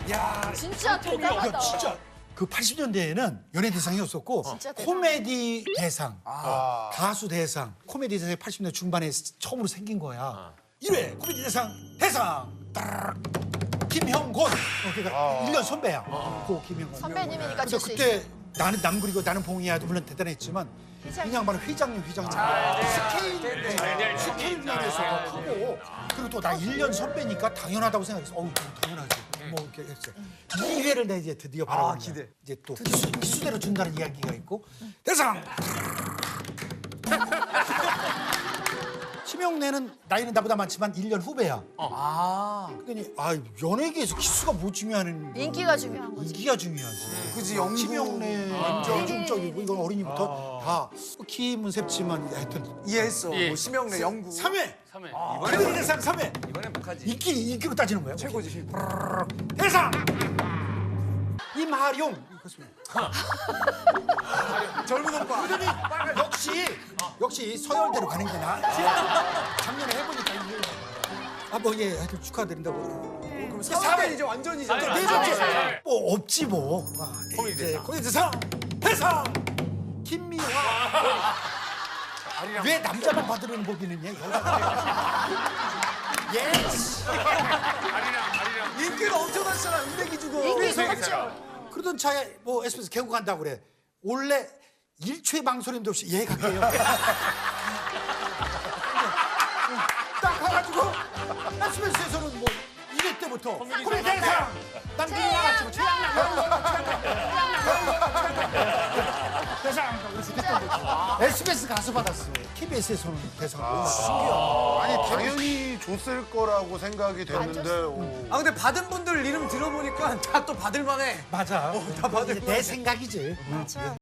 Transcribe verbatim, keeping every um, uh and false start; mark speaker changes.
Speaker 1: 야,
Speaker 2: 진짜 대단하다.
Speaker 1: 야, 진짜. 그 팔십 년대에는 연예 대상이었었고
Speaker 2: 진짜 대단하다.
Speaker 1: 코미디 대상, 어, 가수 대상, 코미디 대상이 팔십 년대 중반에 처음으로 생긴 거야. 일 회 코미디 대상 대상 따르르 김형곤. 어, 그러니까 일 년 선배야. 고 김형곤.
Speaker 2: 선배님이니까
Speaker 1: 근데
Speaker 2: 줄 수
Speaker 1: 그때
Speaker 2: 있어.
Speaker 1: 나는 남그리고 나는 봉이야도 물론 대단했지만
Speaker 2: 회장님.
Speaker 1: 그냥 바로 회장님 회장님 스케일 스케일 면에서 하고 그리고 또 나 일 년 선배니까 당연하다고 생각했어. 어우 당연하지. 뭐 이렇게 했어. 이 회를 내 이제 드디어 바라보는 거야.
Speaker 3: 기대.
Speaker 1: 이제 또 기수, 기수대로 준다는 이야기가 있고 대상. 심영래는 나이는 나보다 많지만 일 년 후배야.
Speaker 3: 아,
Speaker 1: 그러니 아 연예계에서 기수가 뭐 중요한
Speaker 2: 인기가 중요한 거지.
Speaker 1: 인기가 중요하지.
Speaker 3: 그지 연구.
Speaker 1: 심영래 대중적이고 이건 어린이부터 다 키문셉지만 하여튼
Speaker 3: 이해했어.
Speaker 4: 예.
Speaker 3: 뭐 심영래 영구.
Speaker 1: 삼 회
Speaker 4: 삼 회.
Speaker 1: 코미디 대상 삼 회
Speaker 4: 이번엔 못하지.
Speaker 1: 인기 인기로 따지는 거예요.
Speaker 3: 최고지.
Speaker 1: 대상 임하룡
Speaker 3: 젊은 오빠.
Speaker 1: 그러더니 역시 역시 서열대로 가는 게 나. 작년에 해보니까 이게 아뭐예 하여튼 축하드린다고.
Speaker 3: 그럼 사 회 이제 완전이죠.
Speaker 4: 아니,
Speaker 1: 네
Speaker 4: 아니,
Speaker 1: 번째
Speaker 4: 아니, 아니.
Speaker 1: 뭐 없지 뭐. 아,
Speaker 4: 코미디
Speaker 1: 이제
Speaker 4: 대상.
Speaker 1: 코미디 대상 대상 김미화. 왜 남자만 받으려는 법이 있느냐 여자가. 예스.
Speaker 4: 아리랑 아리랑.
Speaker 3: 인기가 엄청났잖아. 은백이 주고.
Speaker 2: 인기
Speaker 1: 그래서
Speaker 2: 좋죠.
Speaker 1: 그러던 차에 뭐 에스비에스 개국 간다고 그래. 원래 일초의 망설임도 없이 예 갈게요. 딱 가가지고 에스비에스에서는 뭐 일 회 때부터 코미디 대상 남준이 나갔지고 최양락 대상 그래서 됐던 거지. 에스비에스 가서 받았어. 케이비에스에서는 대상.
Speaker 5: 아니 당연히 줬을 거라고 생각이 됐는데 오.
Speaker 3: 아 근데 받은 분들 이름 들어보니까 다 또 받을 만해.
Speaker 1: 맞아.
Speaker 3: 다 받을
Speaker 1: 이제 내 생각이지.
Speaker 2: 맞아.